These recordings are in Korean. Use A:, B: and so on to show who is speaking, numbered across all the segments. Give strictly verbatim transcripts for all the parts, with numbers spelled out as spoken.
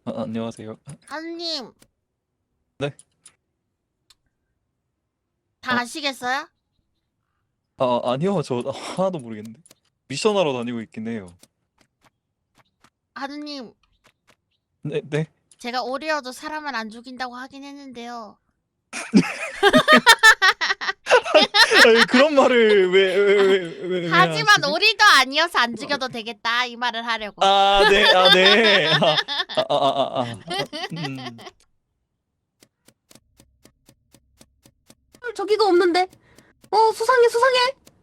A: 아, 안녕하세요.
B: 하느님.
A: 네?
B: 다
A: 어?
B: 아시겠어요?
A: 아, 아니요. 저 하나도 모르겠는데. 미션하러 다니고 있긴 해요.
B: 하느님,
A: 네, 네.
B: 제가 오리어도 사람을 안 죽인다고 하긴 했는데요.
A: 아니, 그런 말을 왜, 왜, 왜, 왜, 왜
B: 하지만
A: 하시지?
B: 오리도 아니어서 안 죽여도 되겠다 이 말을 하려고.
A: 아, 네, 아, 네. 아, 아, 아, 아, 아. 아, 음.
C: 저기가 없는데. 어, 수상해, 수상해.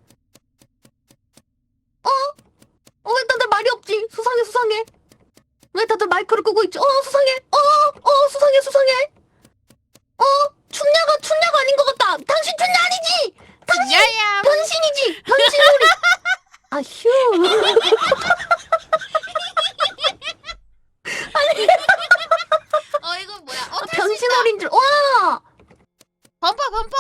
C: 어? 어, 왜 다들 말이 없지? 수상해, 수상해. 왜 다들 마이크를 끄고 있지? 어, 수상해. 어, 어, 수상해, 수상해. 어, 춘냐가 춘냐가 아닌 것 같다. 당신 춘냐 아니지? 당신
B: 야야.
C: 변신이지. 변신오리. 아, 휴.
B: 어 이거 뭐야? 어 탈 수 있다.
C: 변신오리인 줄. 와.
B: 범퍼 범퍼.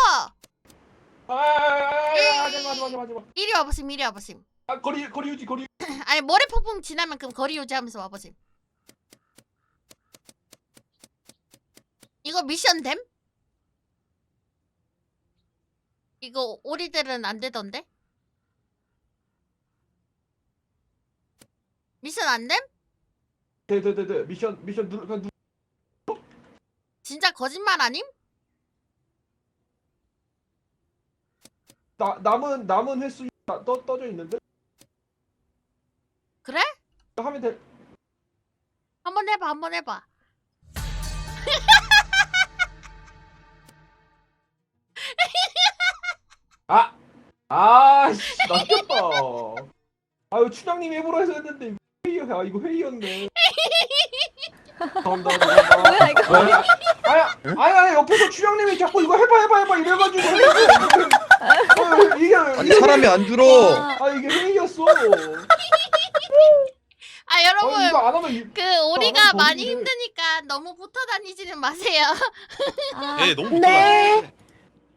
D: 아아아아 하지마 하지마 하지마.
B: 이리 와보심 이리 와보심.
D: 아 거리 거리 유지 거리.
B: 아니 모래 폭풍 지나면 그럼 거리 유지하면서 와보심. 이거 미션 됨? 이거 오리들은 안 되던데? 미션 안 됨?
D: 네네네네 미션 미션 누르 그냥 누.
B: 진짜 거짓말 아님?
D: 나 남은 남은 횟수 떠 떠져 있는데.
B: 그래?
D: 하면 돼.
B: 한번 해봐 한번 해봐.
D: 아 아씨 낚였다. 아유 춘향님 해보라 해서 했는데 회의야. 아 이거 회의였네. 감사합니다. 감사합니다.
C: 뭐야, 이거?
D: 아야 아야 아야 아야 옆에서 춘향님이 자꾸 이거 해봐 해봐 해봐 이래가지고 어, 이게
E: 아니
D: 이게
E: 사람이 안 줄어.
D: 아 이게 회의였어.
B: 아
D: 아
B: 여러분
D: 이거 안 하면 이-
B: 그 오리가
D: 하면
B: 많이
D: 거기를-
B: 힘드니까 너무 붙어 다니지는 마세요.
C: 아,
E: 예, 너무
C: 네.
E: 불편하네.